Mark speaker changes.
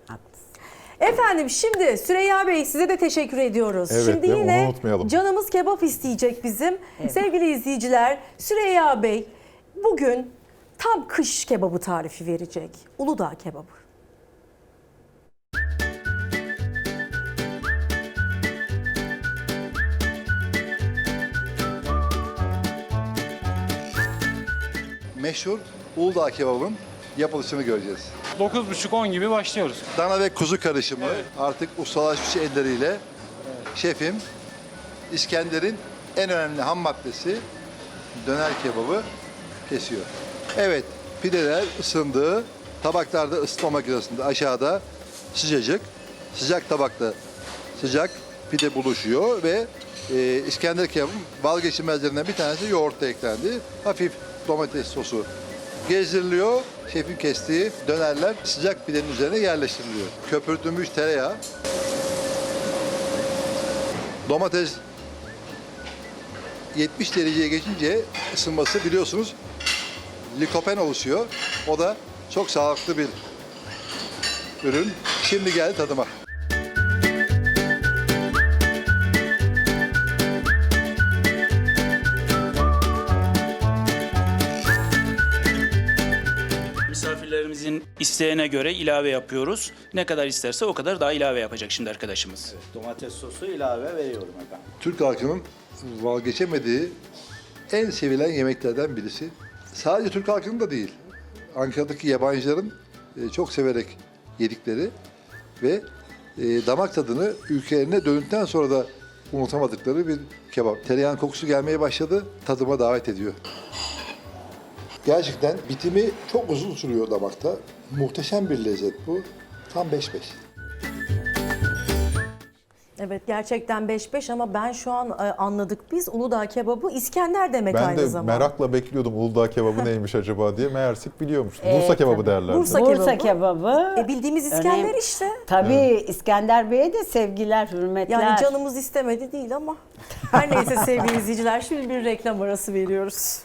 Speaker 1: Haklısın.
Speaker 2: Efendim şimdi Süreyya Bey size de teşekkür ediyoruz.
Speaker 3: Evet,
Speaker 2: şimdi
Speaker 3: değil mi?
Speaker 2: yine
Speaker 3: Onu unutmayalım.
Speaker 2: canımız kebap isteyecek bizim. Sevgili izleyiciler, Süreyya Bey bugün tam kış kebabı tarifi verecek. Uludağ kebabı.
Speaker 4: Meşhur Uludağ kebabın yapılışını göreceğiz.
Speaker 5: 9.30-10 gibi başlıyoruz.
Speaker 4: Dana ve kuzu karışımı artık ustalaşmış elleriyle şefim İskender'in en önemli ham maddesi döner kebabı kesiyor. Evet, pideler ısındı. Tabaklarda ısıtma makinesinde aşağıda sıcacık, sıcak tabakta sıcak pide buluşuyor ve İskender kebabın vazgeçilmezlerinden bir tanesi yoğurt eklendi. Hafif domates sosu gezdiriliyor. Şefin kestiği dönerler sıcak pidenin üzerine yerleştiriliyor. Köpürtülmüş tereyağı, domates 70 dereceye geçince ısınması biliyorsunuz likopen oluşuyor. O da çok sağlıklı bir ürün. Şimdi geldi tadıma.
Speaker 6: Misafirlerimizin isteğine göre ilave yapıyoruz. Ne kadar isterse o kadar daha ilave yapacak şimdi arkadaşımız.
Speaker 7: Domates sosu ilave veriyorum efendim.
Speaker 4: Türk halkının vazgeçemediği en sevilen yemeklerden birisi. Sadece Türk halkının da değil. Ankara'daki yabancıların çok severek yedikleri ve damak tadını ülkelerine döndükten sonra da unutamadıkları bir kebap. Tereyağın kokusu gelmeye başladı, tadıma davet ediyor. Gerçekten bitimi çok uzun sürüyor damakta. Muhteşem bir lezzet bu. Tam 5-5.
Speaker 2: Evet gerçekten 5-5 ama ben şu an anladık biz Uludağ kebabı İskender demek
Speaker 3: Ben
Speaker 2: aynı
Speaker 3: de
Speaker 2: zamanda.
Speaker 3: merakla bekliyordum Uludağ kebabı neymiş acaba diye. Meğersek biliyormuş.
Speaker 1: Evet,
Speaker 3: Bursa kebabı
Speaker 1: tabii.
Speaker 3: derler.
Speaker 2: Bursa
Speaker 1: Bursa
Speaker 2: kebabı.
Speaker 1: kebabı.
Speaker 2: Bildiğimiz İskender
Speaker 1: Önemli.
Speaker 2: işte.
Speaker 1: Tabii İskender Bey'e de sevgiler, hürmetler.
Speaker 2: Yani canımız istemedi değil ama. Her neyse sevgili izleyiciler şimdi bir reklam arası veriyoruz.